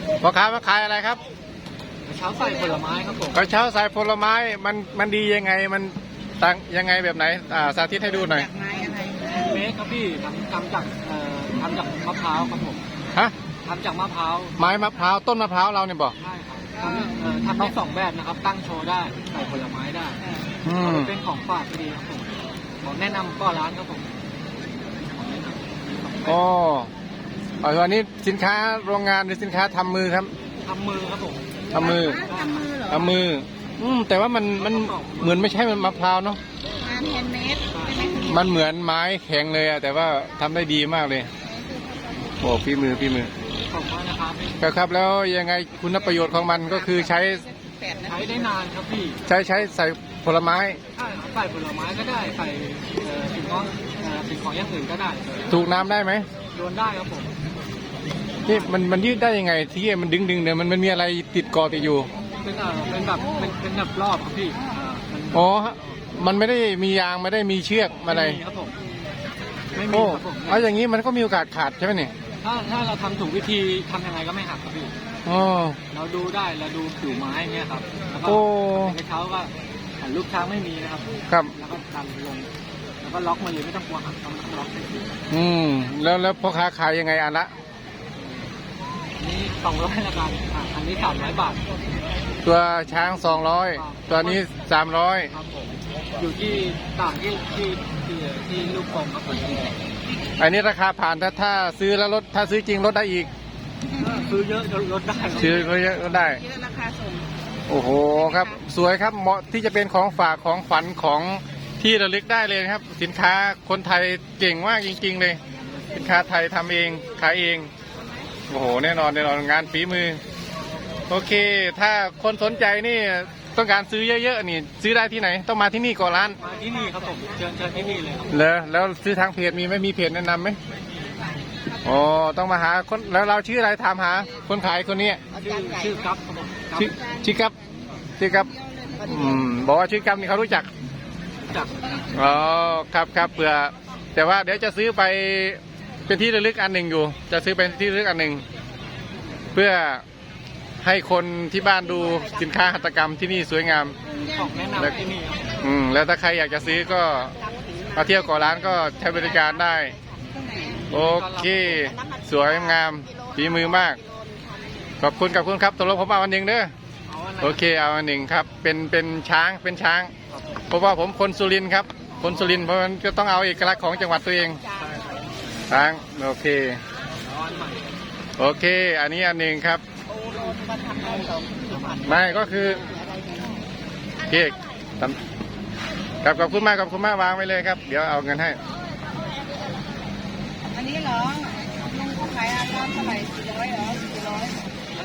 พ่อค้ามาขายอะไรครับกระเช้าใส่ผลไม้ครับผมกระเช้าใส่ผลไม้มันดียังไงมันต่างยังไงแบบไหนสาธิตให้ดูหน่อยจากไม้อะไรเมคครับพี่ทำจากมะพร้าวครับผมฮะทำจากมะพร้าวไม้มะพร้าวต้นมะพร้าวเราเนี่ยบอกใช่ครับทำได้สองแบบนะครับตั้งโชว์ได้ใส่ผลไม้ได้เป็นของฝากดีครับผมของแนะนำก็ร้านครับผมอ๋ออันนี้สินค้าโรงงานหรือสินค้าทำมือครับทำมือครับผมทำมือทำมือแต่ว่ามันเหมือนไม่ใช่มันมะพร้าวเนาะงานแฮนด์เมดมันเหมือนไม้แข็งเลยอะแต่ว่าทำได้ดีมากเลยโอ้ฝีมือขอบคุณนะครับครับแล้วยังไงคุณประโยชน์ของมันก็คือใช้ได้นานครับพี่ใช้ใส่ผลไม้ใช่ใส่ผลไม้ก็ได้ใส่สิ่งของอย่างอื่นก็ได้ถูกน้ำได้ไหมโยนได้ครับผมที่มันยืดได้ยังไงที่มันดึงเนี่ยมันมีอะไรติดเกาะติดอยู่เป็นแบบรอบครับพี่อ๋อมันไม่ได้มียางไม่ได้มีเชือกอะไรครับผมไม่มีครับผมเอาอย่างนี้มันก็มีโอกาสขาดใช่ไหมเนี่ยถ้าเราทำถูกวิธีทำยังไงก็ไม่หักครับพี่เราดูได้เราดูผิวไม้เนี่ยครับแล้วก็เป็นกระเช้าก็ลูกช้างไม่มีนะครับครับแล้วก็ดันลงแล้วก็ล็อกมาเลยไม่ต้องกลัวหักต้องล็อกแล้วพ่อค้าขายยังไงอันละนี่200ละกันอันนี้300 บาทตัวช้าง200ตัวนี้300 ครับผมอยู่ที่ต่างที่ลูกกลมครับผมอันนี้ราคาผ่านถ้าซื้อแล้วลดถ้าซื้อจริงลดได้อีกซื้อเยอะลดได้ซื้อเยอะลดได้ราคาส่งโอ้โหครับสวยครับเหมาะที่จะเป็นของฝากของขวัญของที่ระลึกได้เลยครับสินค้าคนไทยเก่งมากจริงๆเลยสินค้าไทยทำเองขายเองโอ้โหแน่นอนงานฝีมือโอเคถ้าคนสนใจนี่ต้องการซื้อเยอะๆนี่ซื้อได้ที่ไหนต้องมาที่นี่ก่อนร้านมาที่นี่ครับผมเชิญที่นี่เลยครับแล้วซื้อทางเพจมีไหมมีเพจแนะนำไหมอ๋อต้องมาหาคนแล้วเราชื่ออะไรถามหาคนขายคนนี้ชื่อกั๊บครับผมชื่อกั๊บบอกว่าชื่อกั๊บนี่เขารู้จักอ๋อครับเผื่อแต่ว่าเดี๋ยวจะซื้อไปเป็นที่ระลึกอันหนึ่งอยู่จะซื้อเป็นที่ระลึกอันหนึ่งเพื่อให้คนที่บ้านดูสินค้าหัตถกรรมที่นี่สวยงามของแนะนำที่นี่แล้วถ้าใครอยากจะซื้อก็มาเที่ยวก่อร้านก็ใช้บริการได้โอเคสวยงามฝีมือมากขอบคุณครับตกลงผมเอาอันหนึ่งเด้อโอเคเอาอันหนึ่งครับเป็นช้างเพราะว่าผมคนสุรินทร์ครับคนสุรินทร์เพราะมันก็ต้องเอาเอกลักษณ์ของจังหวัดตัวเองช้างโอเคอันนี้อันหนึ่งครับไม่ก็คือเค้กครับขอบคุณมากวางไว้เลยครับเดี๋ยวเอาเงินให้อันนี้เหรอลุงขายอาการเท่าไหร่400เหรอ400